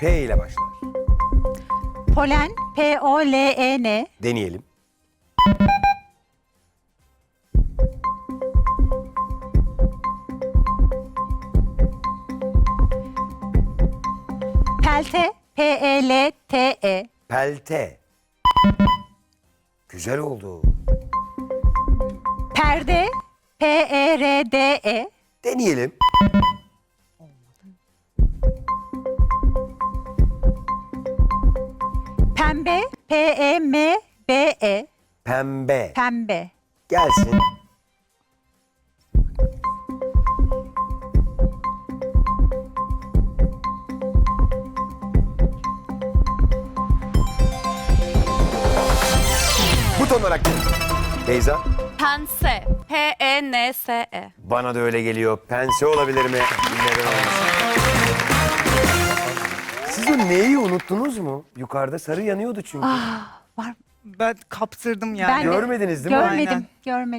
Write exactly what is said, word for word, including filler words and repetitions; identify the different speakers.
Speaker 1: P ile başlar.
Speaker 2: Polen, P O L E N.
Speaker 1: Deneyelim.
Speaker 2: Pelte, P E L T E.
Speaker 1: Pelte. Güzel oldu.
Speaker 2: Perde, P E R D E.
Speaker 1: Deneyelim.
Speaker 2: Pembe, P E M B E.
Speaker 1: Pembe.
Speaker 2: Pembe.
Speaker 1: Gelsin. Buton olarak gel. Beyza.
Speaker 3: Pense. P E N S E.
Speaker 1: Bana da öyle geliyor. Pense olabilir mi? Neden olmasın? Siz o neyi unuttunuz mu? Yukarıda sarı yanıyordu çünkü.
Speaker 2: Var.
Speaker 4: Ben kaptırdım yani.
Speaker 2: Ben de
Speaker 1: Görmediniz değil mi?
Speaker 2: Görmedim.
Speaker 4: Aynen.
Speaker 2: Görmedim.